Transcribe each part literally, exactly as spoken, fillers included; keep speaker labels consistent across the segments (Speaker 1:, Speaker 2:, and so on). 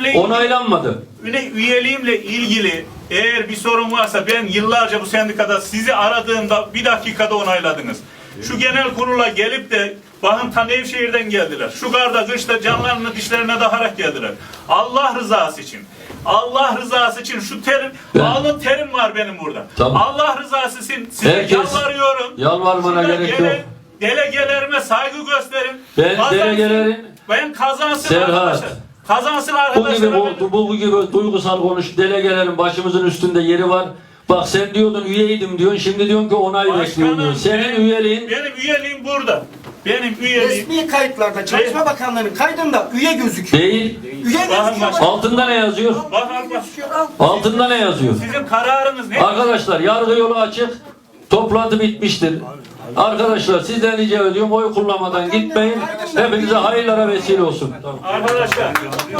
Speaker 1: üyeliğimle
Speaker 2: onaylanmadı.
Speaker 1: üyeliğimle ilgili eğer bir sorun varsa ben yıllarca bu sendikada sizi aradığımda bir dakikada onayladınız. Şu genel kurula gelip de bakın ta Nevşehir'den geldiler. Şu karda kışta canlarını dişlerine dakarak geldiler. Allah rızası için. Allah rızası için şu terim,
Speaker 2: Ben,
Speaker 1: alın terim var benim burada.
Speaker 2: Tamam.
Speaker 1: Allah rızası için size
Speaker 2: Herkes,
Speaker 1: yalvarıyorum.
Speaker 2: yalvarmana
Speaker 1: Size
Speaker 2: gerek
Speaker 1: gele,
Speaker 2: yok.
Speaker 1: Delegelerime saygı gösterin.
Speaker 2: Ben
Speaker 1: Kazansın,
Speaker 2: delegelerin
Speaker 1: ben kazansın
Speaker 2: Serhat,
Speaker 1: arkadaşlar. Kazansın
Speaker 2: bu
Speaker 1: arkadaşlar.
Speaker 2: gibi, bu, bu gibi duygusal konuş, delegelerin başımızın üstünde yeri var. Bak sen diyordun üyeydim diyorsun, şimdi diyorsun ki onay bekliyorum diyorsun. Senin
Speaker 1: benim,
Speaker 2: üyeliğin...
Speaker 1: Benim üyeliğim burada. Benim üyeliğim...
Speaker 3: Resmi kayıtlarda, Çalışma Bakanlığı'nın kaydında üye gözüküyor.
Speaker 2: Değil.
Speaker 3: Üye gözüküyor.
Speaker 2: Altında ne yazıyor?
Speaker 1: Bak, bak, bak.
Speaker 2: Altında ne yazıyor?
Speaker 1: Sizin kararınız ne?
Speaker 2: Arkadaşlar yargı yolu açık. Toplantı bitmiştir. Arkadaşlar sizden rica ediyorum oy kullanmadan gitmeyin. Hepinize hayırlara vesile olsun. Tamam.
Speaker 1: Arkadaşlar.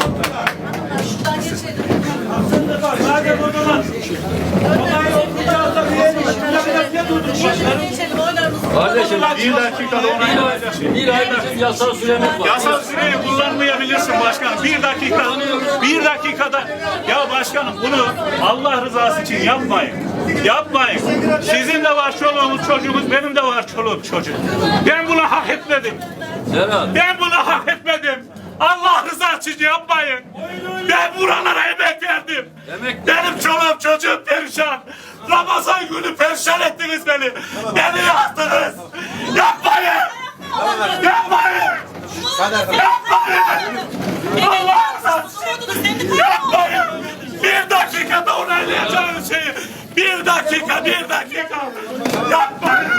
Speaker 1: Madem o zaman olay olmayacaksa
Speaker 2: Kardeşim
Speaker 1: bir dakikada onay
Speaker 2: bir ay bizim yasal süremiz var.
Speaker 1: Yasal süreyi kullanmayabilirsin başkanım. Bir dakika, bir dakikada. Ya başkanım bunu Allah rızası için yapmayın. Yapmayın. Sizin de var çoluğunuz çocuğunuz, benim de var çoluğum çocuğum. Ben bunu hak etmedim.
Speaker 2: Serhat.
Speaker 1: Ben bunu hak etmedim. Allah rızası için yapmayın. Ben buralara emek verdim.
Speaker 2: Emek-
Speaker 1: Benim çoluğum çocuğum perişan. Ramazan günü perişan ettiniz beni. Beni yaktınız. Yapmayın. Yapmayın. Yapmayın. Allah rızası için yapmayın. Bir dakikada onaylayacağınız şeyi. Bir dakika, bir dakika. Yapmayın.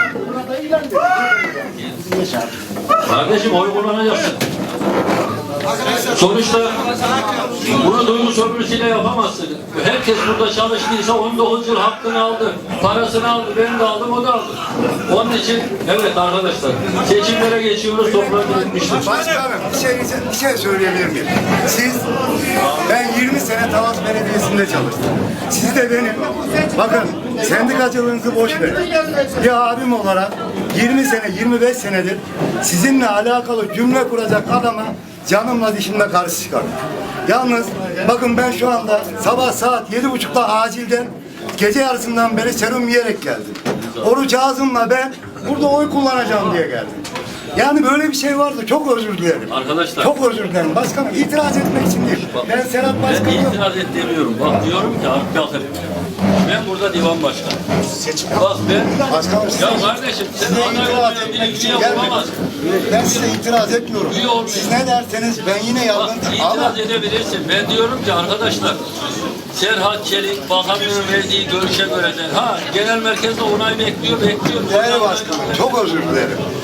Speaker 2: Kardeşim oy kullanacaksın. Sonuçta bunu duygu sömürüsüyle yapamazsın. Herkes burada çalıştıysa on dokuz yıl hakkını aldı. Parasını aldı. Ben de aldım, o da aldı. Onun için evet arkadaşlar seçimlere geçiyoruz. Toplantı bitmiştir.
Speaker 4: Başkanım bir şey, bir şey söyleyebilir miyim? Siz, ben yirmi sene Talas Belediyesi'nde çalıştım. Siz de benim, bakın sendikacılığınızı boş verin. Bir abim olarak yirmi sene, yirmi beş senedir sizinle alakalı cümle kuracak adama canımla dişimle karşı çıkarım. Yalnız bakın ben şu anda sabah saat yedi buçukta acilden gece yarısından beri serum yiyerek geldim. Oruç ağzımla ben burada oy kullanacağım diye geldim. Yani böyle bir şey vardı. Çok özür dilerim.
Speaker 2: Arkadaşlar.
Speaker 4: Çok özür dilerim. Başkanım itiraz etmek için değil. Ben Serhat
Speaker 2: Ben
Speaker 4: Başkanım.
Speaker 2: itiraz et demiyorum. Bak diyorum ki bakın ben burada divan başkanı. Bak ben
Speaker 4: Başkanım size,
Speaker 2: ya kardeşim sen
Speaker 4: size
Speaker 2: aday
Speaker 4: itiraz
Speaker 2: olmayan
Speaker 4: etmek
Speaker 2: biri
Speaker 4: için
Speaker 2: üye
Speaker 4: gelmedim.
Speaker 2: olamazsın.
Speaker 4: Ben size itiraz etmiyorum.
Speaker 2: Üye olmayın.
Speaker 4: Siz ne derseniz ben yine
Speaker 2: Bak
Speaker 4: yardım ama
Speaker 2: itiraz edebilirsin. Ben diyorum ki arkadaşlar Serhat Çelik bakanlığın verdiği görüşe göre de ha genel merkezde onay bekliyor bekliyor.
Speaker 4: değerli başkanım çok özür dilerim.